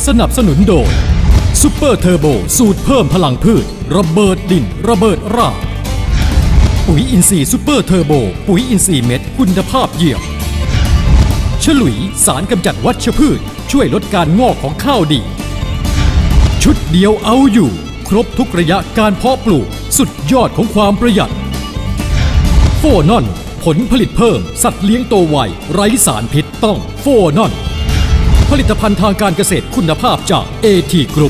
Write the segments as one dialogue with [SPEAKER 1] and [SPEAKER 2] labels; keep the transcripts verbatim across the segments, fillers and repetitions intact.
[SPEAKER 1] สนับสนุนโดยซุปเปอร์เทอร์โบสูตรเพิ่มพลังพืชระเบิดดินระเบิดรากปุ๋ยอินทรีย์ซุปเปอร์เทอร์โบปุ๋ยอินทรีย์เม็ดคุณภาพเยี่ยมฉลุยสารกำจัดวัชพืชช่วยลดการงอกของข้าวดีชุดเดียวเอาอยู่ครบทุกระยะการเพาะปลูกสุดยอดของความประหยัดโฟนอนผลผลิตเพิ่มสัตว์เลี้ยงโตไวไร้สารพิษต้องโฟนอนผลิตภัณฑ์ทางการเกษตรคุณภาพจาก เอ ที Group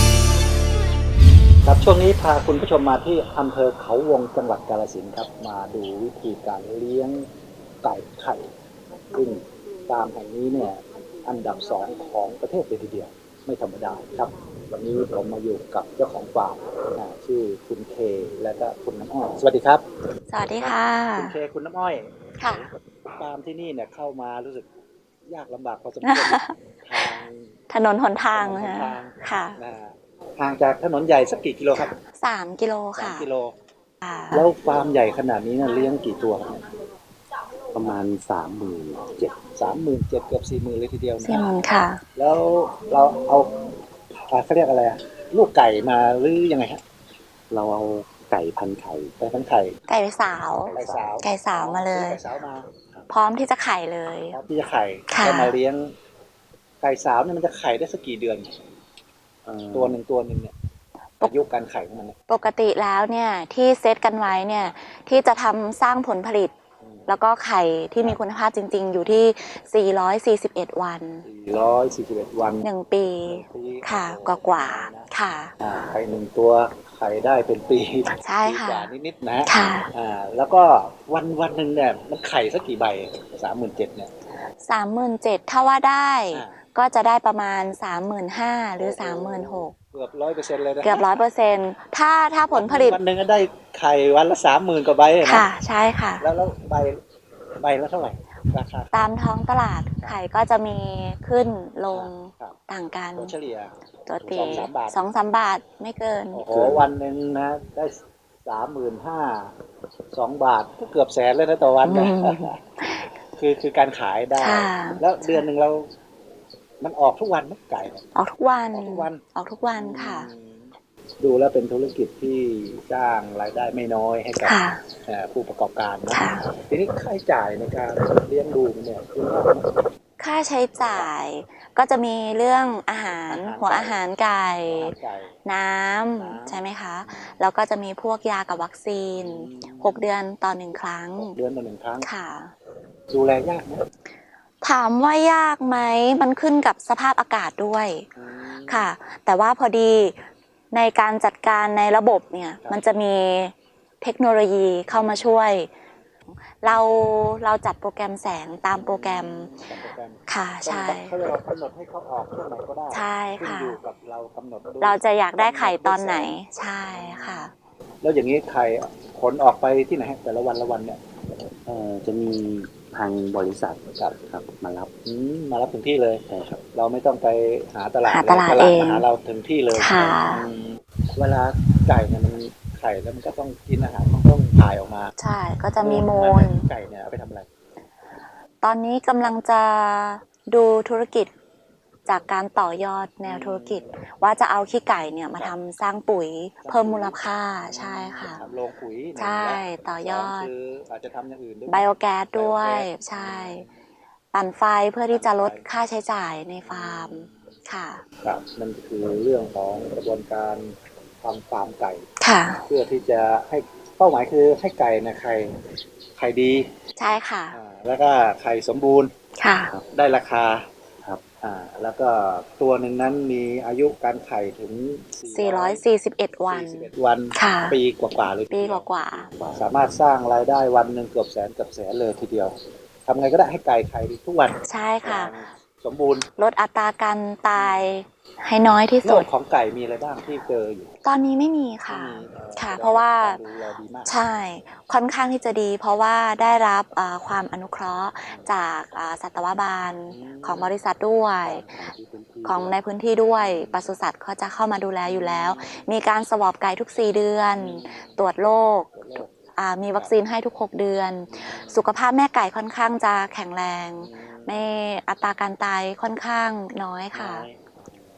[SPEAKER 2] ครับช่วงนี้พาคุณผู้ชมมาที่อำเภอเขาวงจังหวัดกาฬสินธุ์ครับมาดูวิธีการเลี้ยงไก่ไข่ซึ่งฟาร์มแห่งนี้เนี่ยอันดับสองของประเทศเลยทีเดียวไม่ธรรมดาครับวันนี้ผมมาอยู่กับเจ้าของฟาร์มชื่อคุณเคและก็คุณน้ำอ้อยสวัสดีครับ
[SPEAKER 3] สวัสดีค่ะ
[SPEAKER 2] คุณเคคุณน้ำอ้อย
[SPEAKER 3] ค่ะ
[SPEAKER 2] ฟาร์มที่นี่เนี่ยเข้ามารู้สึกยากลำบากพอสมควรทาง
[SPEAKER 3] ถนนหนทางค่ะ
[SPEAKER 2] ห่างจากถนนใหญ่สักกี่กิโลครับ
[SPEAKER 3] สามกิโลค่ะ
[SPEAKER 2] สามกิโลแล้วฟาร์มใหญ่ขนาดนี้เนี่ยเลี้ยงกี่ตัวครับ
[SPEAKER 4] ประมาณสามหมื่นเจ็ด
[SPEAKER 2] สามหมื่นเจ็ดเกือบสี่หมื่นเลยทีเดียวนะ
[SPEAKER 3] สี่หมื่นค่ะ
[SPEAKER 2] แล้วเราเอาเขาเรียกอะไรลูกไก่มาหรือยังไงฮะ
[SPEAKER 4] เราเอาไก่พันไข่
[SPEAKER 2] ไก่พันไข่
[SPEAKER 3] ไก่สาว
[SPEAKER 2] ไก่สาว
[SPEAKER 3] ไก่สาวมาเลย
[SPEAKER 2] ไก่สาวมา
[SPEAKER 3] พร้อมที่จะไข่เลย
[SPEAKER 2] พร้อมที่จะไข่ก็มาเลี้ยงไก่สาวเนี่ยมันจะไข่ได้สักกี่เดือนตัวหนึ่งตัวหนึ่งเนี่ยอายุการไข่ของมัน
[SPEAKER 3] ปกติแล้วเนี่ยที่เซตกันไว้เนี่ยที่จะทำสร้างผลผลิตแล้วก็ไข่ที่มีคุณภาพจริงๆอยู่ที่สี่ร้อยสี่สิบเอ็ดวัน
[SPEAKER 2] สี่ร้อยสี่สิบเอ็ดวัน
[SPEAKER 3] หนึ่งปีค่ะกว่าๆค่ะ
[SPEAKER 2] ไข่หนึ่งตัวไข่ได้เป็นปี
[SPEAKER 3] ใช่ค่ะ
[SPEAKER 2] กว่านิดๆนะค่ะอ่าแล้วก็วันวันหนึ่งเนี่ยมันไข่สักกี่ใบสามหมื่นเจ็ดเนี่ย
[SPEAKER 3] สามหมื่นเจ็ดถ้าว่าได้ก็จะได้ประมาณสามหมื่นห้าหรือสามหมื่นหก
[SPEAKER 2] เกือบร้อยเปอร์เซ็นต์เลยนะ
[SPEAKER 3] เกือบร้อยเปอร์เซ็นต์ถ้าถ้าผลผลิต
[SPEAKER 2] วันหนึ่งก็ได้ไข่วันละสามหมื่นกว่าใบนะ
[SPEAKER 3] ค่ะใช่ค่ะ
[SPEAKER 2] แล้วแล้วใบใบละเท่าไหร่ราคา
[SPEAKER 3] ตามท้องตลาดไข่ก็จะมีขึ้นลงต่างกัน
[SPEAKER 2] ตัวเฉลี่ย
[SPEAKER 3] ตัวตีสองสามบาทไม่เกิน
[SPEAKER 2] โอ้โหวันหนึ่งนะได้สามหมื่นห้าสองบาทก็เกือบแสนเลยนะต่อวันนะคือคือการขายได้แล้วเดือนหนึ่งเรามันออกทุกวันไหมไก่
[SPEAKER 3] ออกทุกวัน
[SPEAKER 2] ออกทุกวัน
[SPEAKER 3] ออกทุกวันค่ะ
[SPEAKER 2] ดูแล้วเป็นธุรกิจที่สร้างรายได้ไม่น้อยให้กับผู้ประกอบการนะทีนี้ค่าใช้จ่ายในการเลี้ยงดูเนี่ยคือว่า
[SPEAKER 3] ค่าใช้จ่ายก็จะมีเรื่องอาหารหัวอาหารไก่น้ำใช่ไหมคะแล้วก็จะมีพวกยากับวัคซีนหกเดือนต่อหนึ่งครั้ง
[SPEAKER 2] เดือนต่อหนึ่งครั้ง
[SPEAKER 3] ค่ะ
[SPEAKER 2] ดูแลยากไหม
[SPEAKER 3] ถามว่ายากไหมมันขึ้นกับสภาพอากาศด้วยค่ะแต่ว่าพอดีในการจัดการในระบบเนี่ยมันจะมีเทคโนโลยีเข้ามาช่วยเราเราจัดโปรแกรมแสงตามโปรแกรมค่ะใช่
[SPEAKER 2] เรากำหนดให้เขาออกช่วงไหนก็ได้
[SPEAKER 3] ใช่ค่ะ
[SPEAKER 2] อยู่กับเรากำหนด
[SPEAKER 3] เราจะอยากได้ไข่ตอนไหนใช่ค่ะ
[SPEAKER 2] แล้วอย่างนี้ไข่ขนออกไปที่ไหนแต่ละวันละวันเนี่ย
[SPEAKER 4] เอ่อจะมีทางบริษัทครับครับมารับ
[SPEAKER 2] มารับถึงที่เลย
[SPEAKER 4] ใช่ครับ
[SPEAKER 2] เราไม่ต้องไปหาตลาด
[SPEAKER 3] หาตลาดเอง
[SPEAKER 2] มาหาเราถึงที่เลย
[SPEAKER 3] ค่ะ
[SPEAKER 2] เวลาไก่เนี่ยมันไข่แล้วมันก็ต้องกินอาหารมันต้องถ่ายออกมา
[SPEAKER 3] ใช่ก็จะมีมูล
[SPEAKER 2] ไก่เนี่ยเอาไปทำอะไร
[SPEAKER 3] ตอนนี้กำลังจะดูธุรกิจจากการต่อยอดแนวธุรกิจว่าจะเอาขี้ไก่เนี่ยมาทำสร้างปุ๋ยเพิ่มมูลค่าใช่ค่ะ
[SPEAKER 2] โรงปุ๋ย
[SPEAKER 3] ใช่ต่อยอด
[SPEAKER 2] คืออาจจะทำอย่างอื่นด้วย
[SPEAKER 3] ไบโอแก๊สด้วยใช่ปั่นไฟเพื่อที่จะลดค่าใช้จ่ายในฟาร์มค่ะ
[SPEAKER 2] ครับนั่นคือเรื่องของกระบวนการทำฟาร์มไก่
[SPEAKER 3] ค่ะ
[SPEAKER 2] เพื่อที่จะให้เป้าหมายคือให้ไก่นะไข่ไข่ดี
[SPEAKER 3] ใช่ค่ะ
[SPEAKER 2] แล้วก็ไข่สมบูรณ์
[SPEAKER 3] ค่ะ
[SPEAKER 2] ได้ราคาครับอ่าแล้วก็ตัวหนึ่งนั้นมีอายุการไข่ถึง
[SPEAKER 3] สี่ร้อยสี่สิบเอ็ดวัน
[SPEAKER 2] วันปีกว่าๆเลย
[SPEAKER 3] ปีกว่า
[SPEAKER 2] ๆสามารถสร้างรายได้วันหนึ่งเกือบแสนเกือบแสนเลยทีเดียวทำไงก็ได้ให้ไก่ไข่ทุกวัน
[SPEAKER 3] ใช่ค่ะ
[SPEAKER 2] สมบูรณ์
[SPEAKER 3] ลดอัตราการตายให้น้อยที่สุด
[SPEAKER 2] โรคของไก่มีอะไรบ้างที่เจออยู่
[SPEAKER 3] ตอนนี้ไม่มีค่ะค่ะเพราะว่าใช่ค่อนข้างที่จะดีเพราะว่าได้รับความอนุเคราะห์จากสัตวบาลของบริษัทด้วยของในพื้นที่ด้วยปศุสัตว์เขาจะเข้ามาดูแลอยู่แล้วมีการสวอปไก่ทุกสี่เดือนตรวจโรคมีวัคซีนให้ทุกหกเดือนสุขภาพแม่ไก่ค่อนข้างจะแข็งแรงไม่อัตราการตายค่อนข้างน้อยค่ะ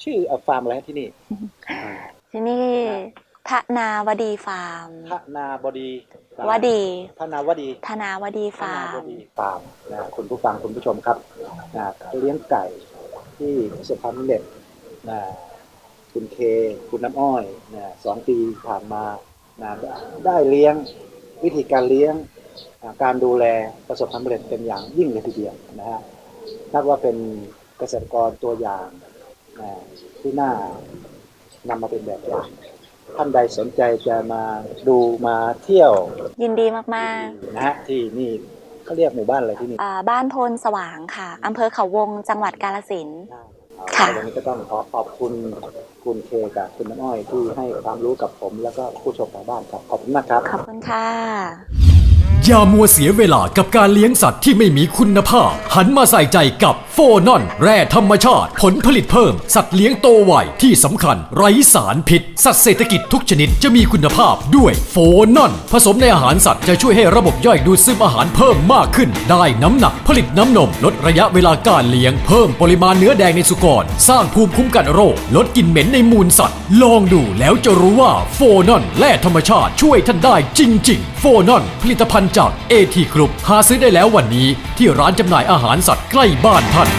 [SPEAKER 2] ชื่อฟาร์มอะไรที่นี่
[SPEAKER 3] ที่นี่ธนาวดีฟาร์ม
[SPEAKER 2] ธนาบดี
[SPEAKER 3] วดี
[SPEAKER 2] ธนาวดี
[SPEAKER 3] ธนาวดี
[SPEAKER 2] ธ
[SPEAKER 3] ฟา
[SPEAKER 2] นา
[SPEAKER 3] ร์
[SPEAKER 2] ว
[SPEAKER 3] ม
[SPEAKER 2] ดีฟาร์มนะคุณผู้ฟังคุณผู้ชมครับนะเลี้ยงไก่ที่ประสบความสำเร็จนะคุณเคคุณน้ำอ้อยนะสองปีผ่านมานะได้เลี้ยงวิธีการเลี้ยงการดูแลประสบความสำเร็จเป็นอย่างยิ่งเลยทีเดียวนะฮะนับว่าเป็นเกษตรกรตัวอย่างนะที่น่านำมาเป็นแบบอย่างท่านใดสนใจจะมาดูมาเที่ยว
[SPEAKER 3] ยินดีมาก
[SPEAKER 2] นะฮะที่นี่เขาเรียกหมู่บ้านอะไรที่นี่
[SPEAKER 3] ๆอ่าบ้านโพนสว่างค่ะอำเภอเขาวงจังหวัดกาฬสินธุ์
[SPEAKER 2] ค่ะ
[SPEAKER 3] ค่ะ
[SPEAKER 2] วันนี้ก็ต้องขอขอบคุณคุณเคกับคุณน้ำอ้อยที่ให้ความรู้กับผมแล้วก็ผู้ชมทางบ้านครับขอบคุณมากครับ
[SPEAKER 3] ขอบคุณค่ะ
[SPEAKER 1] อย่ามัวเสียเวลากับการเลี้ยงสัตว์ที่ไม่มีคุณภาพ หันมาใส่ใจกับโฟนอนแร่ธรรมชาติ ผลผลิตเพิ่ม สัตว์เลี้ยงโตไวที่สำคัญ ไร้สารพิษ สัตว์เศรษฐกิจทุกชนิดจะมีคุณภาพด้วยโฟนอนผสมในอาหารสัตว์จะช่วยให้ระบบย่อยดูดซึมอาหารเพิ่มมากขึ้น ได้น้ำหนักผลิตน้ำนม ลดระยะเวลาการเลี้ยง เพิ่มปริมาณเนื้อแดงในสุกร สร้างภูมิคุ้มกันโรค ลดกลิ่นเหม็นในมูลสัตว์ ลองดูแล้วจะรู้ว่าโฟนอนแร่ธรรมชาติช่วยท่านได้จริงๆโฟนอนผลิตภัณฑ์จากเอทีกรุ๊ปหาซื้อได้แล้ววันนี้ที่ร้านจำหน่ายอาหารสัตว์ใกล้บ้านท่าน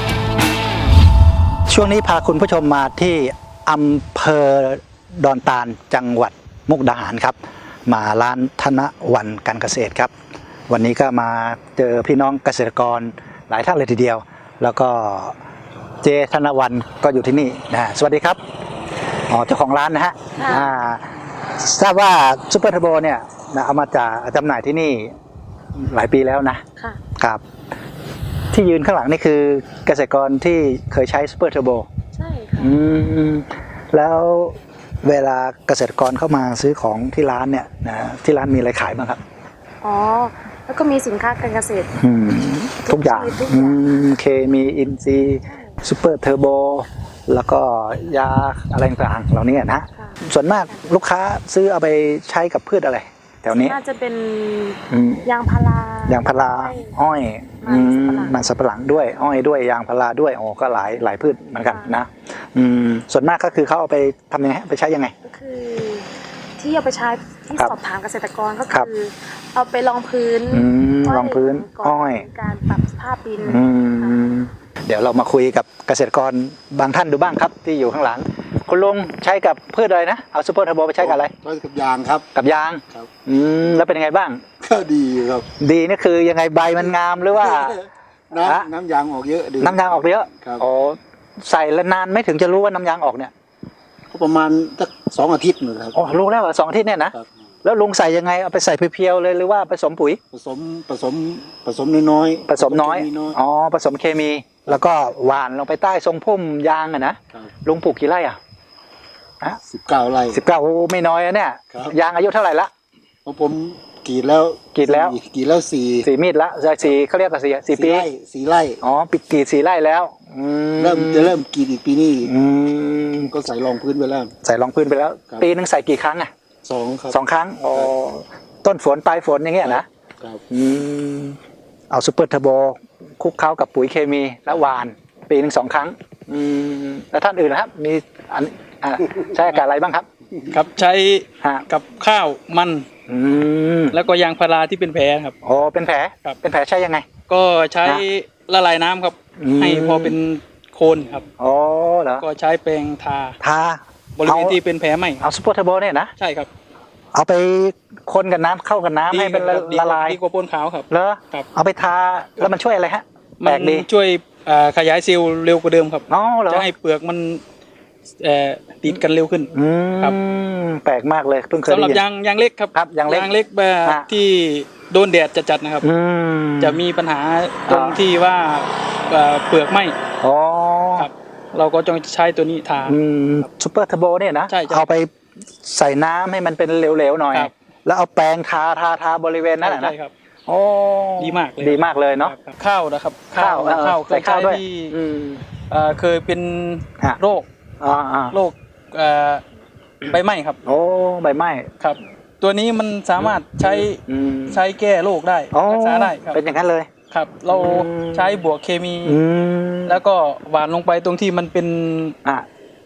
[SPEAKER 2] ช่วงนี้พาคุณผู้ชมมาที่อำเภอดอนตาลจังหวัดมุกดาหารครับมาร้านธนวันการเกษตรครับวันนี้ก็มาเจอพี่น้องเกษตรกรหลายท่านเลยทีเดียว แล้วก็เจธนวันก็อยู่ที่นี่นะสวัสดีครับอ๋อเจ้าของร้านนะฮะ
[SPEAKER 3] ค่ะ
[SPEAKER 2] อ่าทราบว่าซุปเปอร์เทอร์โบเนี่ยนะเอามาจากจำหน่ายที่นี่หลายปีแล้วนะ
[SPEAKER 3] ค่ะ
[SPEAKER 2] ครับที่ยืนข้างหลังนี่คือเกษตรกรที่เคยใช้ซูเปอร์เทอร์โบ
[SPEAKER 3] ใช่ค่ะ
[SPEAKER 2] อืมแล้วเวลาเกษตรกรเข้ามาซื้อของที่ร้านเนี่ยนะที่ร้านมีอะไรขายบ้างครับ
[SPEAKER 5] อ๋อ แล้วก็มีสินค้าการเกษตร
[SPEAKER 2] อืมทุกอย่าง
[SPEAKER 5] ทุก
[SPEAKER 2] อื
[SPEAKER 5] อย่าง
[SPEAKER 2] มเคมีอินซีซูเปอร์เทอร์โบแล้วก็ยาอะไรต่างๆเหล่านี้นะ
[SPEAKER 5] ค่ะ
[SPEAKER 2] ส่วนมากลูกค้าซื้อเอาไปใช้กับพืชอะไรแถวนี้
[SPEAKER 5] น่าจะเป็น
[SPEAKER 2] อืม
[SPEAKER 5] ยางพาราย
[SPEAKER 2] างพาราอ้อย
[SPEAKER 5] มัน
[SPEAKER 2] อืม
[SPEAKER 5] สับปะหลัง
[SPEAKER 2] มันสับปะหลังด้วย อ้อยด้วยยางพาราด้วยโอ้ก็หลายหลายพืชเหมือนกันนะอืมส่วนมากก็คือเขาเอาไปทำยังไงไปใช้ยังไง
[SPEAKER 5] ก็คือ ที่เอาไปใช้ที่
[SPEAKER 2] ครับ
[SPEAKER 5] สอบถามเกษตรกรก็
[SPEAKER 2] ครับ
[SPEAKER 5] คือ เอาไปรองพื้น
[SPEAKER 2] อืมรองพื้น
[SPEAKER 5] ก่อน
[SPEAKER 2] อ้อย
[SPEAKER 5] การปรับสภาพดิน
[SPEAKER 2] อืมเดี๋ยวเรามาคุยกับเกษตรกรบางท่านดูบ้างครับ ที่อยู่ข้างหลัง คุณลุงใช้กับพืชอะไรนะเอาซูเปอร์เทอร์โบไปใช้กับอะไร
[SPEAKER 6] ใช้กับยางครับ
[SPEAKER 2] กับยาง
[SPEAKER 6] ครับ
[SPEAKER 2] อืมแล้วเป็นยังไงบ้าง
[SPEAKER 6] ก็ดีอยู่ครับ
[SPEAKER 2] ดีนี่คือยังไงใบมันงามหรือว่า ฮะ
[SPEAKER 6] น้ำน้ำยางออกเยอะดี
[SPEAKER 2] น้ำยางออกเยอะ
[SPEAKER 6] ครับ
[SPEAKER 2] โอ้ใส่แล้วนานไม่ถึงจะรู้ว่าน้ำยางออกเนี่ย
[SPEAKER 6] ก็ประมาณสักสองอาทิตย์หนึ่งครับ
[SPEAKER 2] โอ้รู้แล้วเหรอสองอาทิตย์เนี่ยนะครับ แล้วลุงใส่ยังไงเอาไปใส่เพียวๆเลยหรือว่าผสมปุ๋ย
[SPEAKER 6] ผสมผสมผสมน้อยๆ
[SPEAKER 2] ผสมน้อย
[SPEAKER 6] มีน้อย
[SPEAKER 2] อ๋อผสมเคมี แล้วก็หว่านลงไปใต้ทรงพุ่มยางอะนะครับ ลุงปลูกกี่ไร่อ่ะ
[SPEAKER 6] สิบเก้าไร่
[SPEAKER 2] สิบเก้าโอ้ไม่น้อยอะเนี่ย
[SPEAKER 6] ครับ
[SPEAKER 2] ยางอายุเท่าไหร่ละ
[SPEAKER 6] เพราะผมกรีดแล้ว
[SPEAKER 2] กรีดแล้ว
[SPEAKER 6] สี่กรีดแล้วสี่
[SPEAKER 2] สี่มีดละสี่เขาเรียกว่าสี่สี่ปี
[SPEAKER 6] ไร่สี่ไร่
[SPEAKER 2] อ๋อปิดกรีดสี่ไร่แล้วอืม
[SPEAKER 6] เริ่มจะเริ่มกรีดอีกปีนี้อีก
[SPEAKER 2] อืม
[SPEAKER 6] ก็ใส่รองพื้นไปแล้ว
[SPEAKER 2] ใส่รองพื้นไปแล้ว
[SPEAKER 6] ครับ
[SPEAKER 2] ปีหนึงใส่กี่ครั้งอ่ะ
[SPEAKER 6] สองครับ
[SPEAKER 2] สองครั้งอ๋อต้นฝนปลายฝนอย่างเงี้ยนะครับ อืมเอาซูเปอร์เทอร์โบคลุกเคล้ากับปุ๋ยเคมีและหวาน ปีหนึ่งสองครั้งอืมแล้วท่านอื่นนะครับ มีอันอ่าใช้อากาศอะไรบ้างครับ
[SPEAKER 7] ครับใช้
[SPEAKER 2] ฮะ
[SPEAKER 7] กับข้าวมัน
[SPEAKER 2] อืม
[SPEAKER 7] แล้วก็ยางพาราที่เป็นแผลครับ
[SPEAKER 2] โอ้เป็นแผล
[SPEAKER 7] ครับ
[SPEAKER 2] เป็นแผลใช้ยังไง
[SPEAKER 7] ก็ใช้
[SPEAKER 2] ฮะ
[SPEAKER 7] ละลายน้ำครับ
[SPEAKER 2] อืม
[SPEAKER 7] ให้พอเป็นโคนครับ
[SPEAKER 2] อ๋อเหรอ
[SPEAKER 7] ก็ใช้แปรงทา
[SPEAKER 2] ทา
[SPEAKER 7] บริเวณที่เป็นแผลไหม
[SPEAKER 2] เอาซูเปอร์เทอร์โบเนี่ยนะ
[SPEAKER 7] ใช่ครับ
[SPEAKER 2] เอาไปคนกับน้ำเข้ากับน้ำให้เป็นละ
[SPEAKER 7] ดี
[SPEAKER 2] ละลาย
[SPEAKER 7] ดีกว่าพ่นขาวครับ
[SPEAKER 2] เหรอ
[SPEAKER 7] ครับ
[SPEAKER 2] เอาไปทาแล้วมันช่วยอะไรฮะแป
[SPEAKER 7] มั
[SPEAKER 2] ลกดี
[SPEAKER 7] ช่วยอ่าขยายเซลล์เร็วกว่าเดิมครับ
[SPEAKER 2] อ๋อเหรอ
[SPEAKER 7] จะให้เปลือกมันเอ่อติดกันเร็วขึ้น
[SPEAKER 2] อื
[SPEAKER 7] ครับ
[SPEAKER 2] มแปลกมากเลยเพิ่งเคย
[SPEAKER 7] สำห
[SPEAKER 2] ได้
[SPEAKER 7] รับ
[SPEAKER 2] ยิน
[SPEAKER 7] ยางยางเล็กครับ
[SPEAKER 2] ครับยางเล็ก
[SPEAKER 7] ยางเล็กแบบ
[SPEAKER 2] ฮะ
[SPEAKER 7] ที่โดนแดดจัดๆนะครับ
[SPEAKER 2] อืม
[SPEAKER 7] จะมีปัญหาตรง
[SPEAKER 2] อ่า
[SPEAKER 7] ที่ว่าเอ่อเปลือกไหม
[SPEAKER 2] อ๋อ
[SPEAKER 7] ครับ เราก็ต้องใช้ตัวนี้ทา
[SPEAKER 2] อืมซูเปอร์เทอร์โบเนี่ยนะ
[SPEAKER 7] ใช่ใช่
[SPEAKER 2] เอาไปใส่น้ำให้มันเป็นเหลวๆหน่อย
[SPEAKER 7] ครับ
[SPEAKER 2] แล้วเอาแปรงทาทาทาบริเวณนั้นน่ะนะ
[SPEAKER 7] ใช่ครับ
[SPEAKER 2] โอ้
[SPEAKER 7] ดีมากเลย
[SPEAKER 2] ดีมากเลยเนาะ
[SPEAKER 7] ครับข้าวนะครับ
[SPEAKER 2] ข้าวเออ
[SPEAKER 7] ข้าวเค
[SPEAKER 2] ใส่
[SPEAKER 7] ย
[SPEAKER 2] ข้าว
[SPEAKER 7] ใช้
[SPEAKER 2] ด้วย
[SPEAKER 7] ที่
[SPEAKER 2] อืม
[SPEAKER 7] เอ่อเคยเป็น
[SPEAKER 2] ฮะ
[SPEAKER 7] โรค
[SPEAKER 2] อ่าอ่า
[SPEAKER 7] โรคเอ่อใบไหม้ครับ
[SPEAKER 2] โอ้ใบไม้
[SPEAKER 7] ครับ ตัวนี้มันสามารถใช้
[SPEAKER 2] อืม
[SPEAKER 7] ใช้แก้โรคได้
[SPEAKER 2] อ๋อ
[SPEAKER 7] รักษาได้ครับ
[SPEAKER 2] เป็นอย่างนั้นเลย
[SPEAKER 7] ครับ เรา
[SPEAKER 2] อืม
[SPEAKER 7] ใช้บวกเคมี
[SPEAKER 2] อืม
[SPEAKER 7] แล้วก็หวานลงไปตรงที่มันเป็น
[SPEAKER 2] อ่ะ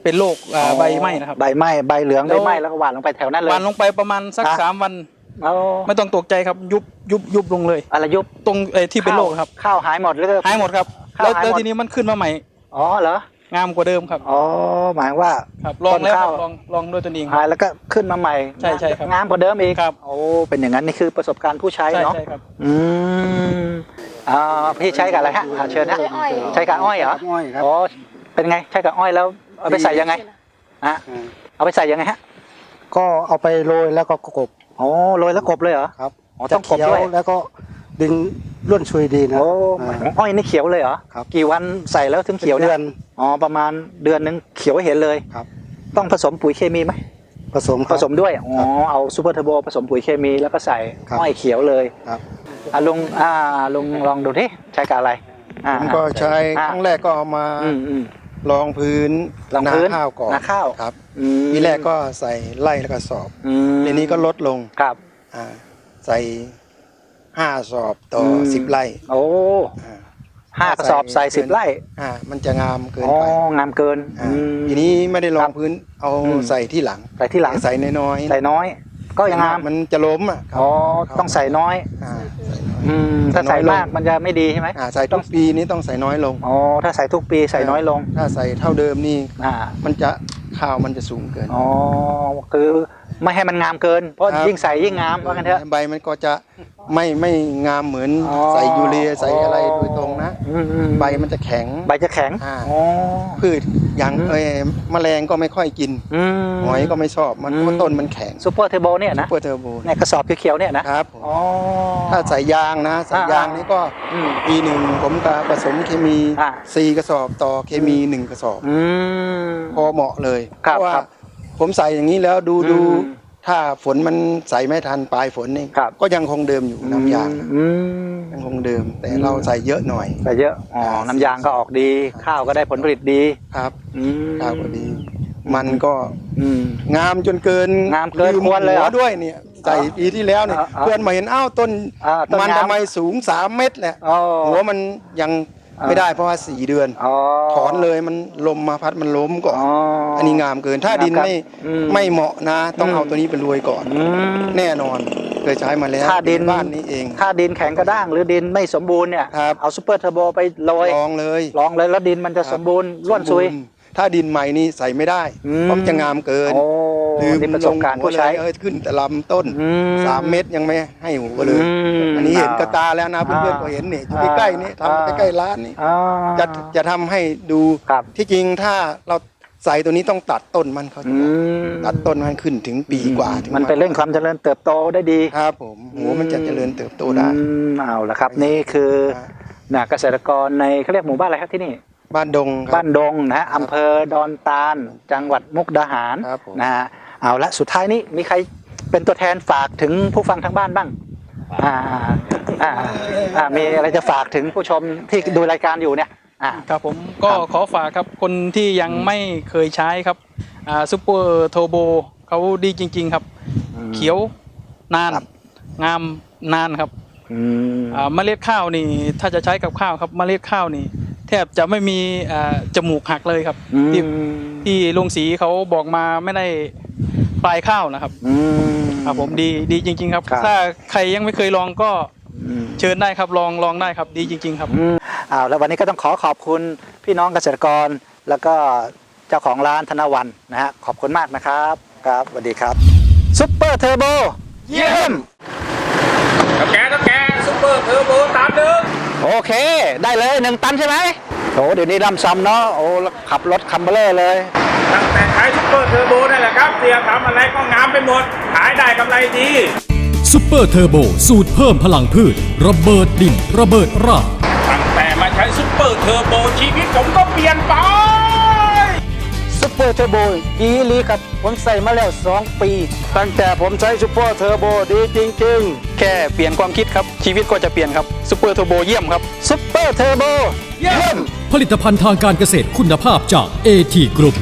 [SPEAKER 7] เป็นโรคอ่าใบไหม้นะครับ
[SPEAKER 2] ใบไหม้ใบเหลือง
[SPEAKER 7] แล้
[SPEAKER 2] ใบ
[SPEAKER 7] ว
[SPEAKER 2] ไหม้แล้วก็หว่านลงไปแถวนั้นเลย
[SPEAKER 7] หวานลงไปประมาณสัก
[SPEAKER 2] อ่ะ
[SPEAKER 7] สามวัน
[SPEAKER 2] เอา
[SPEAKER 7] ไม่ต้องตกใจครับยุบยุบยุบลงเลย
[SPEAKER 2] อะไรยุบ
[SPEAKER 7] ตรงไอ้ที่เป็นโรคครับ
[SPEAKER 2] ข้าวหายหมดหรือ
[SPEAKER 7] หายหมดครับ
[SPEAKER 2] ข้าว
[SPEAKER 7] แล้ว
[SPEAKER 2] หายหมด
[SPEAKER 7] แล้วทีนี้มันขึ้นมาใหม่
[SPEAKER 2] อ๋อเหรอง
[SPEAKER 7] ามกว่าเดิมครับ
[SPEAKER 2] อ๋อหมายว่า
[SPEAKER 7] ครับลองแล้วค
[SPEAKER 2] ต้นข้า
[SPEAKER 7] รั
[SPEAKER 2] ว
[SPEAKER 7] บลองลองด้วยตัวเองค
[SPEAKER 2] หา
[SPEAKER 7] รับ
[SPEAKER 2] ยแล้วก็ขึ้นมาใหม่
[SPEAKER 7] ใช่ใช่ครับ
[SPEAKER 2] งามกว่าเดิมอีก
[SPEAKER 7] ครับ
[SPEAKER 2] โอ้เป็นอย่างนั้นนี่คือประสบการณ์ผู้ใช้
[SPEAKER 7] ใช่
[SPEAKER 2] เนาะ
[SPEAKER 7] ใช่ครับ
[SPEAKER 2] อืมอ่าพี่ใช้กับอะไรฮะอ่าเชิญฮะ
[SPEAKER 5] ใช้อ้อย
[SPEAKER 2] ใช้กับอ้อยเหรอ
[SPEAKER 6] อ้อยครับ
[SPEAKER 2] อ๋อเป็นไงใช้กับอ้อยแล้วเอาไปใส่ยังไงฮะเอาไปใส่ยังไงฮะ
[SPEAKER 8] ก็เอาไปโรยแล้วก็กบ
[SPEAKER 2] โอ้โรยแล้วกบเลยเหรอ
[SPEAKER 8] ครับ
[SPEAKER 2] อ๋อต้องกบ
[SPEAKER 8] จะเขียว
[SPEAKER 2] ด้วย
[SPEAKER 8] แล้วก็ดึงร่วนชุยดีนะ
[SPEAKER 2] โอ้
[SPEAKER 8] อ่า
[SPEAKER 2] อ้อยนี่เขียวเลยเหรอ
[SPEAKER 8] ครับ
[SPEAKER 2] กี่วันใส่แล้วถึงเขียว
[SPEAKER 8] เดื
[SPEAKER 2] เนี่
[SPEAKER 8] อย น
[SPEAKER 2] อ๋อประมาณเดือนนึงเขียวให้เห็นเลย
[SPEAKER 8] ครับ
[SPEAKER 2] ต้องผสมปุ๋ยเคมีไหม
[SPEAKER 8] ผสมค
[SPEAKER 2] ผ
[SPEAKER 8] รับ
[SPEAKER 2] สมด้วยอ๋อเอาซูเปอร์เทอร์โบผสมปุ๋ยเคมีแล้วก็ใส่
[SPEAKER 8] ครับ
[SPEAKER 2] อ้อยเขียวเลย
[SPEAKER 8] ครับ
[SPEAKER 2] อ่ะลุงอ่าลุงลองดูที่ใช้กับอะไรอ่า
[SPEAKER 8] ผมก็ใช้
[SPEAKER 2] อ่า
[SPEAKER 8] ครั้งแรกก็เอามา
[SPEAKER 2] อืมอืม
[SPEAKER 8] รองพื้น
[SPEAKER 2] รองพื้น
[SPEAKER 8] นาข้าวก่อน
[SPEAKER 2] นาข้าว
[SPEAKER 8] ครับ
[SPEAKER 2] อืม
[SPEAKER 8] ทีแรกก็ใส่ไล่แล้วก็สอบ
[SPEAKER 2] อืม
[SPEAKER 8] ทีนี้ก็ลดลง
[SPEAKER 2] ครับ
[SPEAKER 8] อ่าใส่ห้าสอบต่ออ
[SPEAKER 2] ม
[SPEAKER 8] สิบไร่
[SPEAKER 2] โอ้
[SPEAKER 8] อ่า
[SPEAKER 2] ห้ากระสอบใส่สิบไร่
[SPEAKER 8] อ่ามันจะงามเกิน
[SPEAKER 2] อ๋อ
[SPEAKER 8] ไป
[SPEAKER 2] งามเกิน
[SPEAKER 8] อ่า
[SPEAKER 2] อืม
[SPEAKER 8] ทีนี้ไม่ได้รอ
[SPEAKER 2] ครั
[SPEAKER 8] ง
[SPEAKER 2] บ
[SPEAKER 8] พื้นเอา
[SPEAKER 2] อืม
[SPEAKER 8] ใส่ที่หลัง
[SPEAKER 2] ใส่ที่หลัง
[SPEAKER 8] ใส่น้อยๆ
[SPEAKER 2] ใส่น้อย ก็ยังงาม
[SPEAKER 8] มันจะล้มอ่ะครับ
[SPEAKER 2] อ๋อ
[SPEAKER 8] ครับ
[SPEAKER 2] ต้องใส่น้อย
[SPEAKER 8] อ่าใส่น้อย
[SPEAKER 2] อืมถ้า
[SPEAKER 8] ใส่
[SPEAKER 2] ใส่
[SPEAKER 8] น้อยลง
[SPEAKER 2] มากมันจะไม่ดีใช่ไหม
[SPEAKER 8] อ่าใส่ทุกปีนี้ต้องใส่น้อยลง
[SPEAKER 2] อ๋อถ้าใส่ทุกปีใส่น้อยลง
[SPEAKER 8] ถ้าใส่เท่าเดิมนี่
[SPEAKER 2] อ่า
[SPEAKER 8] มันจะข้าวมันจะสูงเกิน
[SPEAKER 2] อ๋อคือไม่ให้มันงามเกิน เพราะ
[SPEAKER 8] ครับ
[SPEAKER 2] ยิ่งใส่ยิ่งงามว่ากันเถอะ
[SPEAKER 8] ใบมันก็จะไม่ไม่งามเหมือน
[SPEAKER 2] อ๋อ
[SPEAKER 8] ใส่ยูเรียใส่อะไรโดยตรงนะ
[SPEAKER 2] อืมอืม
[SPEAKER 8] ใบมันจะแข็ง
[SPEAKER 2] ใบจะแข็ง
[SPEAKER 8] อ่า
[SPEAKER 2] อ๋อ
[SPEAKER 8] พืชอย่าง
[SPEAKER 2] อืม
[SPEAKER 8] เอ้ยแมลงก็ไม่ค่อยกิน
[SPEAKER 2] อืม
[SPEAKER 8] หอยก็ไม่ชอบมัน
[SPEAKER 2] อืม
[SPEAKER 8] เพราะต้นมันแข็ง
[SPEAKER 2] ซูเปอร์เทอร์โบเนี่ยนะ
[SPEAKER 8] เปอร์เทอร์โบ
[SPEAKER 2] ในกระสอบเขียวๆเนี่ยนะครับ
[SPEAKER 8] ผม
[SPEAKER 2] อ๋อ
[SPEAKER 8] ถ้าใส่ยางนะใส่
[SPEAKER 2] อ่าย
[SPEAKER 8] ยางนี่ก็
[SPEAKER 2] อืม
[SPEAKER 8] ปีหนึ่งผมก็ผสมเคมี
[SPEAKER 2] อ่า
[SPEAKER 8] สี่กระสอบต่อเคมีหนึ่งกระสอบ
[SPEAKER 2] อืม
[SPEAKER 8] พอเหมาะเลย
[SPEAKER 2] ครั
[SPEAKER 8] เพ
[SPEAKER 2] บ
[SPEAKER 8] ราะว่า
[SPEAKER 2] ครับ
[SPEAKER 8] ผมใส่อย่างนี้แล้วดู
[SPEAKER 2] อืม
[SPEAKER 8] ดูถ้าฝนมันใส่ไม่ทันปลายฝนนี่
[SPEAKER 2] ครับ
[SPEAKER 8] ก็ยังคงเดิมอยู่น้ำยาง
[SPEAKER 2] อืม
[SPEAKER 8] ยังคงเดิม แต่
[SPEAKER 2] อืม
[SPEAKER 8] เราใส่เยอะหน่อย
[SPEAKER 2] ใส่เยอะอ๋อน้ำยางก็ออกดี ข้าวก็ได้ผลผลิตดี
[SPEAKER 8] ครับ
[SPEAKER 2] อืม
[SPEAKER 8] ข้าวก็ดี มันก็
[SPEAKER 2] อืม
[SPEAKER 8] งามจนเกิน
[SPEAKER 2] งามเกิน
[SPEAKER 8] ลื
[SPEAKER 2] ควรเลยเหรอ
[SPEAKER 8] หัด้วยเนี่ยใส่ปีที่แล้วเนี่ย
[SPEAKER 2] อ่าอ่า
[SPEAKER 8] เพื่อนมาเห็นอ้าวต้น
[SPEAKER 2] อ่าต้น
[SPEAKER 8] มัน
[SPEAKER 2] งาม
[SPEAKER 8] ทำไมสูงสามเมตรแหละ
[SPEAKER 2] อ๋อ
[SPEAKER 8] หัวมันยัง
[SPEAKER 2] อ่า
[SPEAKER 8] ไม่ได้เพราะว่าสี่เดือน
[SPEAKER 2] อ๋อ
[SPEAKER 8] ถอนเลยมันลมมาพัดมันล้มก่อน
[SPEAKER 2] อ๋อ
[SPEAKER 8] อันนี้งามเกินถ้าดินไม่
[SPEAKER 2] อืม
[SPEAKER 8] ไม่เหมาะนะ ต้อง
[SPEAKER 2] อืม
[SPEAKER 8] เอาตัวนี้ไปรวยก่อน
[SPEAKER 2] อืม
[SPEAKER 8] แน่นอนเคยใช้มาแล้ว
[SPEAKER 2] ถ้าดิน
[SPEAKER 8] บ้านนี้เอง
[SPEAKER 2] ถ้าดินแข็งกระด้างหรือดินไม่สมบูรณ์เนี่ย
[SPEAKER 8] ครับ
[SPEAKER 2] เอาซูเปอร์เทอร์โบไปโรย
[SPEAKER 8] ลองเลย
[SPEAKER 2] ลองเลยแล้วดินมันจะ
[SPEAKER 8] ครับ
[SPEAKER 2] สมบูรณ์ร่วนซุย
[SPEAKER 8] สมบูรณ์ถ้าดินใหม่นี่ใส่ไม่ได้
[SPEAKER 2] อืม
[SPEAKER 8] เพราะมันจะงามเกิน
[SPEAKER 2] โอ้
[SPEAKER 8] ลืม
[SPEAKER 2] นี่ประสบการณ์
[SPEAKER 8] ลงหัว
[SPEAKER 2] ผู้ใช้
[SPEAKER 8] เลยเอ้ยขึ้นแต่ลำต้น
[SPEAKER 2] อืม
[SPEAKER 8] สามเม็ดยังไม่ให้หัวเลย
[SPEAKER 2] อืม
[SPEAKER 8] อันนี้เห็นกระตาแล้วนะเพื่อนๆ
[SPEAKER 2] อ่า
[SPEAKER 8] ก็เห็นนี่อยู่ใกล้ๆนี่
[SPEAKER 2] อ่า
[SPEAKER 8] ทำใกล้ๆร้านนี่
[SPEAKER 2] อ่า
[SPEAKER 8] จะจะทำให้ดู
[SPEAKER 2] ครับ
[SPEAKER 8] ที่จริงถ้าเราใส่ตัวนี้ต้องตัดต้นมันเขาจะ
[SPEAKER 2] อื
[SPEAKER 8] บอก
[SPEAKER 2] ม
[SPEAKER 8] ตัดต้นมันขึ้นถึงปีกว่าถึง
[SPEAKER 2] มันเป็นเร่งความเจริญเติบโตได้ดี
[SPEAKER 8] ครับผมหัวมันจะเจริญเติบโตได้
[SPEAKER 2] อืมเอาละครับ นี่คือนะเกษตรกรในเขาเรียกหมู่บ้านอะไรครับที่นี่
[SPEAKER 8] บ้านดงครับ
[SPEAKER 2] บ้านดงนะฮะอำเภอดอนตาล จังหวัดมุกดาหาร
[SPEAKER 8] ครับผม
[SPEAKER 2] นะฮะเอาละสุดท้ายนี้มีใครเป็นตัวแทนฝากถึงผู้ฟังทางบ้านบ้างอ่าอ่าอ่ามีอะไรจะฝากถึงผู้ชมที่ดูรายการอยู่เนี่ยอ่า
[SPEAKER 7] ครับผมก็
[SPEAKER 2] ครับ
[SPEAKER 7] ขอฝากครับคนที่ยังไม่เคยใช้ครับอ่าซูเปอร์เทอร์โบเขาดีจริง ๆ ครับ เขียวนาน
[SPEAKER 2] ครับ
[SPEAKER 7] งามนานครับ
[SPEAKER 2] อืม
[SPEAKER 7] อ่าเมล็ดข้าวนี่ถ้าจะใช้กับข้าวครับเมล็ดข้าวนี่แทบจะไม่มีอ่าจมูกหักเลยครับ ที่ที่ลุงศรีเขาบอกมาไม่ได้ปลายข้าวนะครับ
[SPEAKER 2] อืม
[SPEAKER 7] ครับผมดีดีจริง ๆ ครับ
[SPEAKER 2] ครับ
[SPEAKER 7] ถ้าใครยังไม่เคยลองก็
[SPEAKER 2] อืม
[SPEAKER 7] เชิญได้ครับลองลองได้ครับดีจริง ๆ ครับ
[SPEAKER 2] อืมอ้าวแล้ววันนี้ก็ต้องขอขอบคุณพี่น้องเกษตรกร แล้วก็เจ้าของร้านธนวันนะฮะขอบคุณมากนะครับครับสวัสดีครับซุปเปอร์เทอร์โบเยี่ยม
[SPEAKER 9] แกต้องแกซุปเปอร์เทอร์โบตามหนึ่ง
[SPEAKER 2] โอเค ได้เลยหนึ่งตันใช่ไหมโอ้เดี๋ยวนี้ลำซ้ำเนาะโอ้ขับรถคัมเบอร์เลอร์เลย
[SPEAKER 9] ตั้งแต่ขายซุปเปอร์เทอร์โบนั่นแหละครับเสียทำอะไรก็งามไปหมด ขายได้กำไรดี
[SPEAKER 1] ซุปเปอร์เทอร์โบสูตรเพิ่มพลังพืช ระเบิดดิน ระเบิดราก
[SPEAKER 9] ตั้งแต่มาใช้ซุปเปอร์เทอร์โบชีวิตผมก็เปลี่ยนไป
[SPEAKER 8] ซุปเปอร์เทอร์โบดีลีครับผมใส่มาแล้วสองปี ตั้งแต่ผมใช้ซุปเปอร์เทอร์โบดีจริงๆ
[SPEAKER 7] แค่เปลี่ยนความคิดครับชีวิตก็จะเปลี่ยนครับซูเปอร์เทอร์โบเยี่ยมครับ
[SPEAKER 2] ซุปเปอร์เทอร์โบเยี่ยม
[SPEAKER 1] ผลิตภัณฑ์ทางการเกษตรคุณภาพจาก เอ ที Group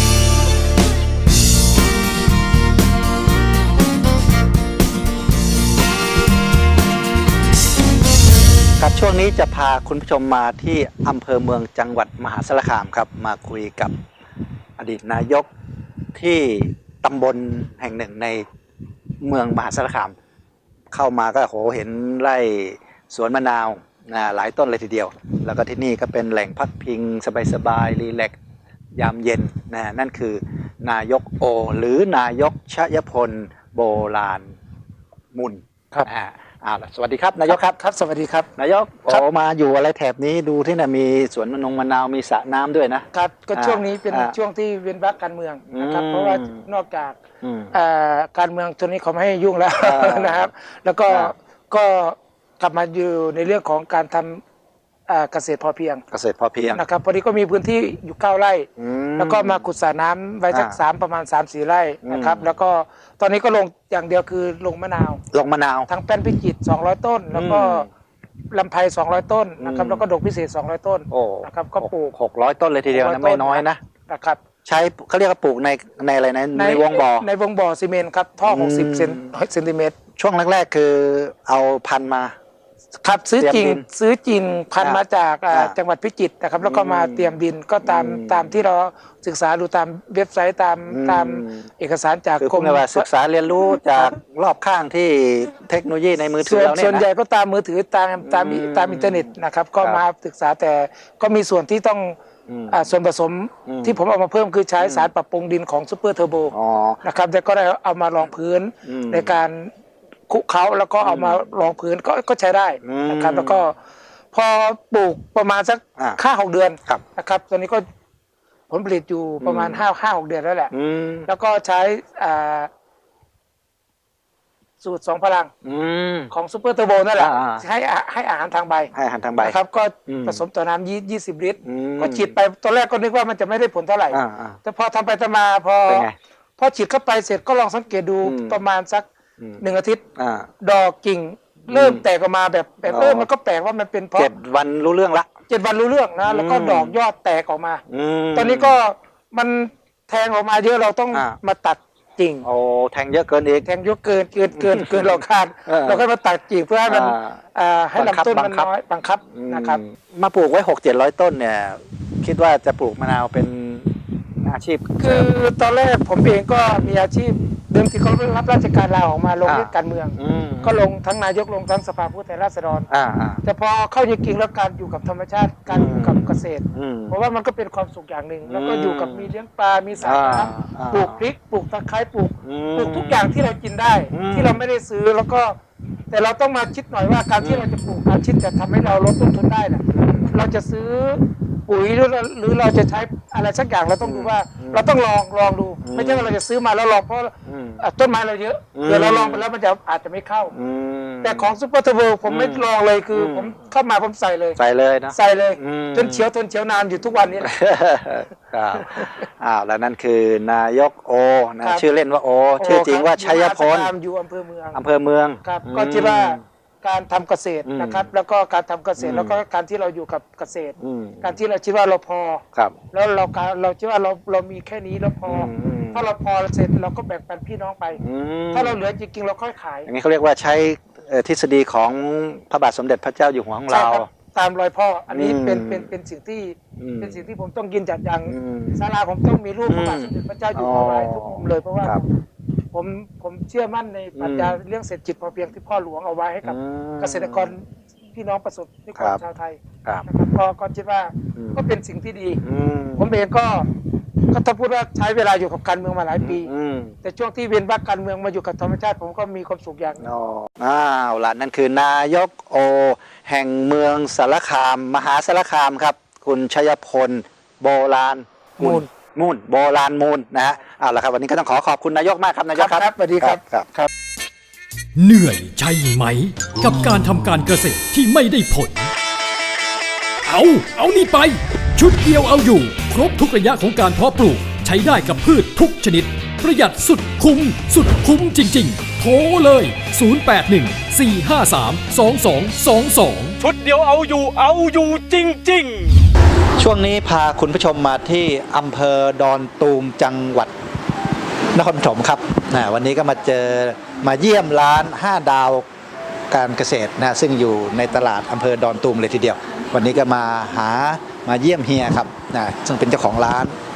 [SPEAKER 2] ครับช่วงนี้จะพาคุณผู้ชมมาที่อำเภอเมืองจังหวัดมหาสารคามครับมาคุยกับอดีตนายกที่ตำบลแห่งหนึ่งในเมืองมหาสารคามเข้ามาก็โหเห็นไร่สวนมะนาวนะหลายต้นเลยทีเดียวแล้วก็ที่นี่ก็เป็นแหล่งพักพิงสบายๆรีแลกซ์ยามเย็นนะนั่นคือนายกโอหรือนายกชยพลโบราณมุน
[SPEAKER 8] ครับ
[SPEAKER 2] อ่าอ่าสวัสดีครับนายกครับ
[SPEAKER 8] ครับสวัสดีครับ
[SPEAKER 2] นายก
[SPEAKER 8] ครับ
[SPEAKER 2] โอ้มาอยู่อะไรแถบนี้ดูที่น่ะมีสวนมะนงมะนาวมีสระน้ำด้วยนะครับ
[SPEAKER 8] ก็
[SPEAKER 2] อ่า
[SPEAKER 8] ช่วงนี้เป็น
[SPEAKER 2] อ่า
[SPEAKER 8] ช่วงที่เว้นวรรคการเมืองนะครับ
[SPEAKER 2] อืม
[SPEAKER 8] เพราะว่านอกจาก
[SPEAKER 2] อืม
[SPEAKER 8] เอ่อการเมืองตัวนี้เขาไม่ให้ยุ่งแล้ว
[SPEAKER 2] อ่าน
[SPEAKER 8] นะครับ แล้วก็
[SPEAKER 2] อ่า
[SPEAKER 8] ก็กลับมาอยู่ในเรื่องของการทำอ่าเกษตรพอเพียง
[SPEAKER 2] เกษตรพอเพียง
[SPEAKER 8] นะครับพอดีก็มีพื้นที่อยู่เก้าไร่
[SPEAKER 2] อืม
[SPEAKER 8] แล้วก็มาขุดสระน้ำไว้สัก
[SPEAKER 2] อ่า
[SPEAKER 8] สามประมาณสามสี่ไร่นะครับ
[SPEAKER 2] อืม
[SPEAKER 8] แล้วก็ตอนนี้ก็ลงอย่างเดียวคือลงมะนาว
[SPEAKER 2] ลงมะนาว
[SPEAKER 8] ทั้งแป้นพิจิตรสองร้อยต้น แล้วก็
[SPEAKER 2] อืม
[SPEAKER 8] ลำไพสองร้อยต้นนะครับ
[SPEAKER 2] อืม
[SPEAKER 8] แล้วก็ดอกพิเศษสองร้อยต้น
[SPEAKER 2] โอ้
[SPEAKER 8] นะครับก็ปลูก
[SPEAKER 2] หกร้อยต้นเลยทีเดียว
[SPEAKER 8] หกร้
[SPEAKER 2] นะ
[SPEAKER 8] อย
[SPEAKER 2] ไม่
[SPEAKER 8] ต้น
[SPEAKER 2] น้อยนะ
[SPEAKER 8] นะครับ
[SPEAKER 2] ใช้เขาเรียกว่าปลูกในในอะไรนะในวงบ่อ
[SPEAKER 8] ในวงบ่อซีเมนต์ครับท่อ
[SPEAKER 2] อืม
[SPEAKER 8] หกสิบเซนเซนติเมตร
[SPEAKER 2] ช่วงแรกๆคือเอาพันธุ์มา
[SPEAKER 8] ครับซื้อจริง
[SPEAKER 2] เตรียมดิน
[SPEAKER 8] ซื้อจริงพันธุ์
[SPEAKER 2] อ่า
[SPEAKER 8] มาจากอ่า
[SPEAKER 2] อ่า
[SPEAKER 8] จังหวัดพิจิตรนะครับแล้วก็มา
[SPEAKER 2] อืม
[SPEAKER 8] เตรียมดินก็ตาม
[SPEAKER 2] อืม
[SPEAKER 8] ตามที่เราศึกษาดูตามเว็บไซต์ตาม
[SPEAKER 2] อืม
[SPEAKER 8] ตามเอกสารจาก
[SPEAKER 2] คือก พู
[SPEAKER 8] ร
[SPEAKER 2] ด
[SPEAKER 8] ม
[SPEAKER 2] ง่ายๆว่าศึกษาเรียนรู้จากรอบข้างที่เทคโนโลยีในมือถื
[SPEAKER 8] ส่
[SPEAKER 2] อ
[SPEAKER 8] วน
[SPEAKER 2] เราเนี่ย
[SPEAKER 8] ส่วน
[SPEAKER 2] นะ
[SPEAKER 8] ใหญ่ก็ตามมือถือตามตาม
[SPEAKER 2] อืม
[SPEAKER 8] ตามอินเทอร์เน็ตนะครับก็
[SPEAKER 2] ครับ
[SPEAKER 8] มาศึกษาแต่ก็มีส่วนที่ต้อง
[SPEAKER 2] อืม
[SPEAKER 8] อ่าส่วนผสม
[SPEAKER 2] อืม
[SPEAKER 8] ที่ผมเอามาเพิ่มคือใช้สารปรับปรุงดินของซูเปอร์เทอร์โบ
[SPEAKER 2] อ๋อ
[SPEAKER 8] นะครับแต่ก็ได้เอามารองพื้น
[SPEAKER 2] อืม
[SPEAKER 8] ในการคลุกเคล้าแล้วก็เอามารองพื้นก็ก็ใช้ได้นะครับ
[SPEAKER 2] อืม
[SPEAKER 8] แล้วก็พอปลูกประมาณสัก
[SPEAKER 2] อ่า
[SPEAKER 8] ห้าหกเดือน
[SPEAKER 2] ครับ
[SPEAKER 8] นะครับตอนนี้ก็ผลผลิตอยู่ประมาณ
[SPEAKER 2] อืม
[SPEAKER 8] ห้าห้าหกเดือนแล้วแหละ
[SPEAKER 2] อืม
[SPEAKER 8] แล้วก็ใช้อ่าสูตรสองพลัง
[SPEAKER 2] อืม
[SPEAKER 8] ของซูเปอร์เทอร์โบนั่นแหละ
[SPEAKER 2] อ่า
[SPEAKER 8] ให้อาให้อาหารทางใบ
[SPEAKER 2] ให้อาหารทางใบ
[SPEAKER 8] นะครับก็
[SPEAKER 2] อืม
[SPEAKER 8] ผสมต่อน้ำยี่ยี่สิบลิตร
[SPEAKER 2] อืม
[SPEAKER 8] ก็ฉีดไปตอนแรกก็นึกว่ามันจะไม่ได้ผลเท่าไหร่
[SPEAKER 2] อ่าอ่า
[SPEAKER 8] แต่พอทำไปทำมาพอ
[SPEAKER 2] เป็นไง
[SPEAKER 8] พอฉีดเข้าไปเสร็จก็ลองสังเกตดู
[SPEAKER 2] อืม
[SPEAKER 8] ประมาณสัก
[SPEAKER 2] อืม
[SPEAKER 8] หนึ่งอาทิตย์
[SPEAKER 2] อ่า
[SPEAKER 8] ดอกกิ่งเริ่มแตกออกมาแบบแบบ
[SPEAKER 2] อ๋อ
[SPEAKER 8] เออมันก็แปลกว่ามันเป็นเพราะ
[SPEAKER 2] เจ็ดวันรู้เรื่องละ
[SPEAKER 8] เจ็ดวันรู้เรื่องนะแล้วก็
[SPEAKER 2] อืม
[SPEAKER 8] ดอกยอดแตกออกมา
[SPEAKER 2] อืม
[SPEAKER 8] ตอนนี้ก็มันแทงออกมาเยอะเราต้อง
[SPEAKER 2] อ่า
[SPEAKER 8] มาตัดกิ่ง
[SPEAKER 2] โอ้แทงเยอะเกินอีก
[SPEAKER 8] แทงเยอะเกินเกินเกินเกินเราคาด
[SPEAKER 2] เออ
[SPEAKER 8] เราก็มาตัดกิ่งเพื่อให้มัน
[SPEAKER 2] อ่า
[SPEAKER 8] อ่าให้
[SPEAKER 2] บังคับ
[SPEAKER 8] ลำต้นมัน
[SPEAKER 2] บังคับ
[SPEAKER 8] น้อยบังคับนะครับ
[SPEAKER 2] อืมมาปลูกไว้หกเจ็ดร้อยต้นเนี่ย คิดว่าจะปลูกมะนาวเป็นอาชีพ
[SPEAKER 8] คือตอนแรกผมเองก็มีอาชีพเดิมที่เขารับราชการลาออกมาลง
[SPEAKER 2] อ่า
[SPEAKER 8] เล่นการเมือง
[SPEAKER 2] อืม
[SPEAKER 8] ก็ลงทั้งนายกลงทั้งสภาผู้แทนราษฎร
[SPEAKER 2] อ่าอ่า
[SPEAKER 8] แต่พอเข้าจริงๆแล้วการอยู่กับธรรมชาติการอยู่กับเกษตร
[SPEAKER 2] อืม
[SPEAKER 8] เพราะว่ามันก็เป็นความสุขอย่างหนึ่ง แล้วก็
[SPEAKER 2] อืม
[SPEAKER 8] อยู่กับมีเลี้ยงปลา มีสระ
[SPEAKER 2] อ่า
[SPEAKER 8] น้
[SPEAKER 2] อ่า
[SPEAKER 8] ำปลูกพริกปลูกตะไคร้ปลูก
[SPEAKER 2] อืม
[SPEAKER 8] ปลูกทุกอย่างที่เรากินได้
[SPEAKER 2] อืม
[SPEAKER 8] ที่เราไม่ได้ซื้อแล้วก็ แต่เราต้องมาคิดหน่อยว่าการที่เราจะปลูกการคิดจะทำให้เราลดต้นทุนได้น่ะเราจะซื้อปุ๋ยหรือหรือเราจะใช้อะไรสักอย่างเราต้องดูว่า เราต้องลองลองดู ไม่ใช่ว่าเราจะซื้อมาแล้วลองเพราะ
[SPEAKER 2] อืม
[SPEAKER 8] อ่ะต้นไม้เราเยอะ
[SPEAKER 2] อืม
[SPEAKER 8] เดี๋ยวเราลองไปแล้วมันจะอาจจะไม่เข้า
[SPEAKER 2] อืม
[SPEAKER 8] แต่ของซูเปอร์เทอร์โบผมไม่
[SPEAKER 2] อืม
[SPEAKER 8] ลองเลยคืออ
[SPEAKER 2] ม
[SPEAKER 8] ผมเข้ามาผมใส่เลย
[SPEAKER 2] ใส่เลยนะ
[SPEAKER 8] ใส่เลย
[SPEAKER 2] อืม
[SPEAKER 8] จนเฉียวทนเฉียวนานอยู่ทุกวันนี้แหละ
[SPEAKER 2] ครับอ้าวแล้วนั่นคือนายกโอนะครับ ชื่อเล่นว่าโอ
[SPEAKER 8] โอ้
[SPEAKER 2] ชื่อจริงว่า
[SPEAKER 8] คบ
[SPEAKER 2] ชัยพล
[SPEAKER 8] อยู่มหาสารคามอยู่อำเภอเมือง
[SPEAKER 2] อำเภอเมือง
[SPEAKER 8] ครับ
[SPEAKER 2] อืม
[SPEAKER 8] ก็คิดว่าการทำเกษตร
[SPEAKER 2] อืม
[SPEAKER 8] นะครับ แล้วก็การทำเกษต
[SPEAKER 2] อื
[SPEAKER 8] ร
[SPEAKER 2] ม
[SPEAKER 8] แล้วก็การที่เราอยู่กับเกษตร
[SPEAKER 2] อืม
[SPEAKER 8] การที่เราคิดว่าเราพอ
[SPEAKER 2] ครับ
[SPEAKER 8] แล้วเราการเราคิดว่าเราเรามีแค่นี้แล้วพออ
[SPEAKER 2] อืม
[SPEAKER 8] ถ้าเราพอเสร็จเราก็แบ่งปันพี่น้องไป
[SPEAKER 2] อืม
[SPEAKER 8] ถ้าเราเหลือจริงๆเราค่อยขาย
[SPEAKER 2] อย่างนี้เขาเรียกว่าใช้เอ่อทฤษฎีของพระบาทสมเด็จพระเจ้าอยู่หัวของ
[SPEAKER 8] ใช่
[SPEAKER 2] เรา
[SPEAKER 8] ครับตามรอยพ่อ อันนี้
[SPEAKER 2] อืม
[SPEAKER 8] เป็นเป็นเป็นสิ่งที่
[SPEAKER 2] อืม
[SPEAKER 8] เป็นสิ่งที่ผมต้องยืนจัดอย่าง
[SPEAKER 2] อืม
[SPEAKER 8] ศาลาผมต้องมีรูปพระบาท
[SPEAKER 2] อืม
[SPEAKER 8] สมเด็จพระเจ้าอยู่หัวไว้ทุกมุมเลยเพราะว่า
[SPEAKER 2] ครับ
[SPEAKER 8] ผมผมเชื่อมั่นในปรัชญา
[SPEAKER 2] อืม
[SPEAKER 8] เรื่องเศรษฐกิจพอเพียงที่พ่อหลวงเอาไว้ให้กับ
[SPEAKER 2] อืม
[SPEAKER 8] เกษตรกรพี่น้องประสบนิก
[SPEAKER 2] ครั
[SPEAKER 8] ร
[SPEAKER 2] บ
[SPEAKER 8] ชาวไทย
[SPEAKER 2] ครับ
[SPEAKER 8] นะครับก็ก็คิดว่า
[SPEAKER 2] อืม
[SPEAKER 8] ก็เป็นสิ่งที่ดี
[SPEAKER 2] อืม
[SPEAKER 8] ผมเองก็ก็ถ้าพูดว่าใช้เวลาอยู่กับการเมืองมาหลายปี
[SPEAKER 2] อืม
[SPEAKER 8] แต่ช่วงที่เวียนว่างการเมืองมาอยู่กับธรรมชาติผมก็มีความสุขอย่างหนึ่ง
[SPEAKER 2] อ๋ออ้าวล่ะนั่นคือนายกโอ แห่งเมืองสารคาม มหาสารคามครับ คุณชัยพลโบราณ
[SPEAKER 8] มูล
[SPEAKER 2] มูลโบราณมูลนะฮะเอาละครับวันนี้ก็ต้องขอขอบคุณนายกมากครับนายกครับ
[SPEAKER 8] ครับสวัสดีครับ
[SPEAKER 2] ครับครับ
[SPEAKER 1] เหนื่อยใช่ไหม กับการทำการเกษตรที่ไม่ได้ผล เอา เอานี่ไป ชุดเดียวเอาอยู่ ครบทุกระยะของการเพาะปลูก ใช้ได้กับพืชทุกชนิด ประหยัดสุดคุ้ม สุดคุ้มจริงๆ โทรเลย ศูนย์ แปด หนึ่ง สี่ ห้า สาม สอง สอง สอง สอง
[SPEAKER 7] ชุดเดียวเอาอยู่เอาอยู่จริง ๆ
[SPEAKER 2] ช่วงนี้พาคุณผู้ชมมาที่อำเภอดอนตูมจังหวัดนครปฐมครับนะวันนี้ก็มาเจอมาเยี่ยมร้านห้าดาวการเกษตรนะซึ่งอยู่ในตลาดอำเภอดอนตูมเลยทีเดียว วันนี้ก็มาหามาเยี่ยมเฮียครับนะซึ่งเป็นเจ้าของร้าน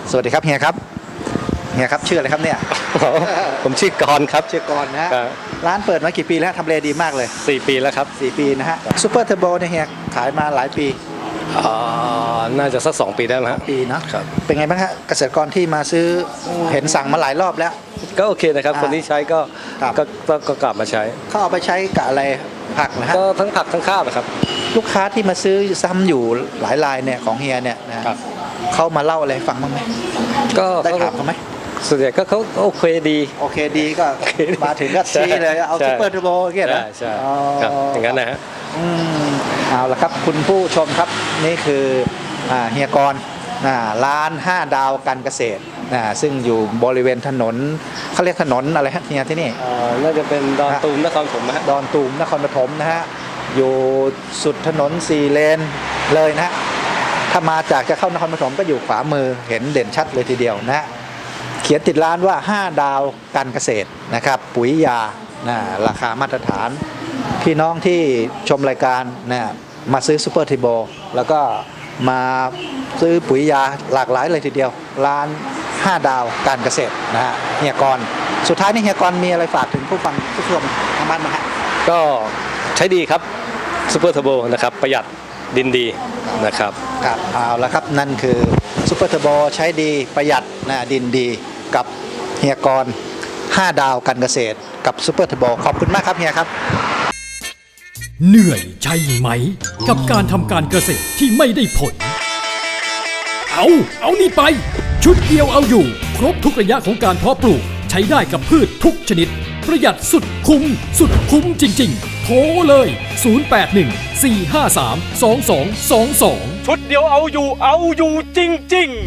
[SPEAKER 2] สวัสดีครับเฮียครับเฮียครับชื่ออะไรครับเนี่ย
[SPEAKER 10] ผมชื่อกรครับ
[SPEAKER 2] ชื่อกรนะฮะ
[SPEAKER 10] ครับ
[SPEAKER 2] ร้านเปิดมากี่ปีแล้วทำเลดีมากเลย
[SPEAKER 10] สี่ปีแล้วครับ
[SPEAKER 2] สี่ปีนะฮะซูเปอร์เทอร์โบเนี่ยเฮียขายมาหลายปี
[SPEAKER 10] อ่าน่าจะสักสองปีได้แล้วฮะ
[SPEAKER 2] ปีเนาะ
[SPEAKER 10] ครับ
[SPEAKER 2] เป็นไงบ้างฮะเกษตรกรที่มาซื้อเห็นสั่งมาหลายรอบแล้ว
[SPEAKER 10] ก็โอเคนะครับ
[SPEAKER 2] อ่า
[SPEAKER 10] คนที่ใช้ก็
[SPEAKER 2] ครับ
[SPEAKER 10] ก็ก็ก็กลับมาใช้
[SPEAKER 2] เขาเอาไปใช้กับอะไรผักนะฮะ
[SPEAKER 10] ก็ทั้งผักทั้งข้าวนะครับ
[SPEAKER 2] ลูกค้าที่มาซื้อซ้ำอยู่หลายรายเนี่ยของเฮียเนี่ยนะครับ เขามาเล่าอะไรให้ฟังบ้างไหม
[SPEAKER 10] ก็
[SPEAKER 2] ได้
[SPEAKER 10] เขา
[SPEAKER 2] ถามเขาไหม
[SPEAKER 10] ส่วนใหญ่ก็เขาโอเคดี
[SPEAKER 2] โอเคดีก็
[SPEAKER 10] โอเคดี
[SPEAKER 2] มาถึงก็ชี้เลยเอา
[SPEAKER 10] ใช่
[SPEAKER 2] ซูเปอร์เทอร์โบเงี้ยนะ
[SPEAKER 10] ใช่ใช่ครับอย่างนั้นนะฮะ
[SPEAKER 2] อืมเอาละครับคุณผู้ชมครับนี่คืออ่าเฮียกรอ่าร้านห้าดาวการเกษตรอ่าซึ่งอยู่บริเวณถนนเขาเรียกถนนอะไรฮะเฮียที่นี่
[SPEAKER 10] เอ่อน่าจะเป็นดอนตูมนครปฐมนะฮะ
[SPEAKER 2] ดอนตูมนครปฐมนะฮะอยู่สุดถนนสี่เลนเลยนะฮะถ้ามาจากจะเข้านครปฐมก็อยู่ขวามือเห็นเด่นชัดเลยทีเดียวนะฮะเขียนติดร้านว่าห้าดาวการเกษตรนะครับปุ๋ยยานะราคามาตรฐาน พี่น้องที่ชมรายการนะมาซื้อซูเปอร์ทีโบแล้วก็มาซื้อปุ๋ยยาหลากหลายเลยทีเดียว ร้านห้าดาวการเกษตรนะฮะเฮียกรสุดท้ายนี่เฮียกรมีอะไรฝากถึงผู้ฟังผู้ชมทางบ้านไหมฮะ
[SPEAKER 10] ก็ใช้ดีครับซูเปอร์เทอร์โบนะครับประหยัดดินดีนะครับ
[SPEAKER 2] ครับเอาละครับนั่นคือซูเปอร์เทอร์โบใช้ดีประหยัดนะดินดีกับเฮียกรห้าดาวการเกษตรกับซูเปอร์เทอร์โบขอบคุณมากครับเฮียครับ
[SPEAKER 1] เหนื่อยใช่ไหม กับการทำการเกษตรที่ไม่ได้ผล เอา เอานี่ไป ชุดเดียวเอาอยู่ ครบทุกระยะของการเพาะปลูก ใช้ได้กับพืชทุกชนิด ประหยัดสุดคุ้ม สุดคุ้มจริงๆ โทรเลย ศูนย์ แปด หนึ่ง สี่ ห้า สาม สอง สอง สอง สอง
[SPEAKER 9] ชุดเดียวเอาอยู่เอาอยู่จริง ๆ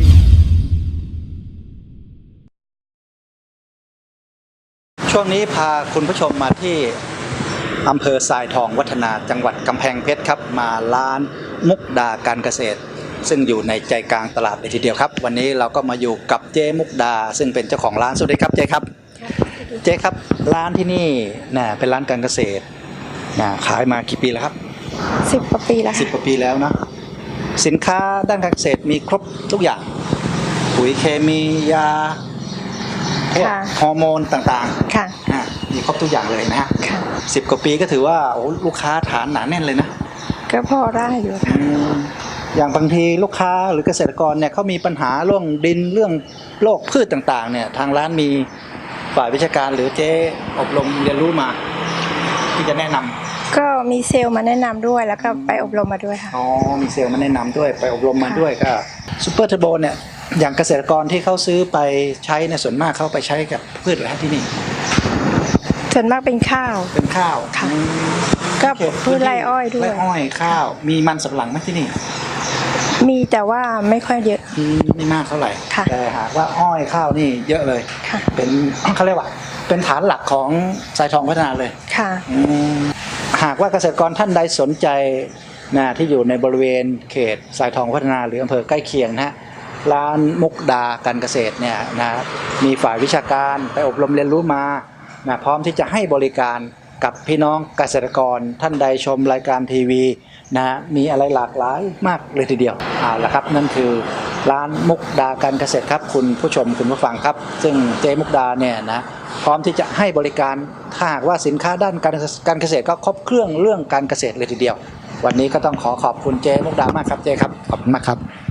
[SPEAKER 2] ช่วงนี้พาคุณผู้ชมมาที่อำเภอทรายทองวัฒนาจังหวัดกำแพงเพชรครับมาร้านมุกดาการเกษตร ซึ่งอยู่ในใจกลางตลาดเลยทีเดียวครับ วันนี้เราก็มาอยู่กับเจ๊มุกดา ซึ่งเป็นเจ้าของร้านสวัสดีครับเจ๊ครับเจ๊ครับร้านที่นี่นะเป็นร้านการเกษตรนะขายมากี่ปีแล้วครับ
[SPEAKER 11] สิบกว่าปีแล้ว
[SPEAKER 2] สิบกว่าปีแล้วนะสินค้าด้านการเกษตรมีครบทุกอย่างปุ๋ยเคมียาพวกฮอร์โมนต่างๆ
[SPEAKER 11] ค่ะ
[SPEAKER 2] อ่ะมีครบทุกอย่างเลยนะฮะ
[SPEAKER 11] ค่ะ
[SPEAKER 2] สิบกว่าปีก็ถือว่าโอ้ลูกค้าฐานหนาแน่นเลยนะ
[SPEAKER 11] ก็พอได้อยู่ค่ะ
[SPEAKER 2] อืมอย่างบางทีลูกค้าหรือเกษตรกรเนี่ยเขามีปัญหาเรื่องดินเรื่องโรคพืชต่างๆเนี่ยทางร้านมีฝ่ายวิชาการหรือเจ๊อบรมเรียนรู้มา ที่จะแนะนำ
[SPEAKER 11] ก็มีเซลล์มาแนะนำด้วยแล้วก็ไปอบรมมาด้วยค่ะ
[SPEAKER 2] อ๋อมีเซลล์มาแนะนำด้วยไปอบรมมาด้วยก็ซูเปอร์เทอร์โบเนี่ยอย่างเกษตรกรที่เขาซื้อไปใช้ในส่วนมากเขาไปใช้กับพืชอะไรที่นี่
[SPEAKER 11] ส่วนมากเป็นข้าว
[SPEAKER 2] เป็นข้าว
[SPEAKER 11] ค่ะ
[SPEAKER 2] อืม
[SPEAKER 11] ก็พืชไร่อ้อยด้วย
[SPEAKER 2] ไร่อ้อยข้าว มีมันสำปะหลังไหมที่นี่
[SPEAKER 11] มีแต่ว่าไม่ค่อยเยอะ
[SPEAKER 2] อืมไม่มากเท่าไหร่
[SPEAKER 11] ค่ะ
[SPEAKER 2] แต่หากว่าอ้อยข้าวนี่เยอะเลย
[SPEAKER 11] ค่ะ
[SPEAKER 2] เป็น เขาเรียกว่า เป็นฐานหลักของสายทองพัฒนาเลย
[SPEAKER 11] ค่ะ
[SPEAKER 2] อืมหากว่าเกษตรกรท่านใดสนใจนะที่อยู่ในบริเวณเขตสายทองพัฒนาหรืออำเภอใกล้เคียงนะฮะร้านมุกดาการเกษตรเนี่ยนะมีฝ่ายวิชาการไปอบรมเรียนรู้มานะพร้อมที่จะให้บริการกับพี่น้องเกษตรกรท่านใดชมรายการทีวีนะมีอะไรหลากหลายมากเลยทีเดียวเอาละครับนั่นคือร้านมุกดาการเกษตรครับคุณผู้ชมคุณผู้ฟังครับ ซึ่งเจมุกดาเนี่ยนะพร้อมที่จะให้บริการถ้าหากว่าสินค้าด้านการการเกษตรก็ครบเครื่องเรื่องการเกษตรเลยทีเดียว วันนี้ก็ต้องขอขอบคุณเจมุกดามากครับเจครับขอบคุณมากครับ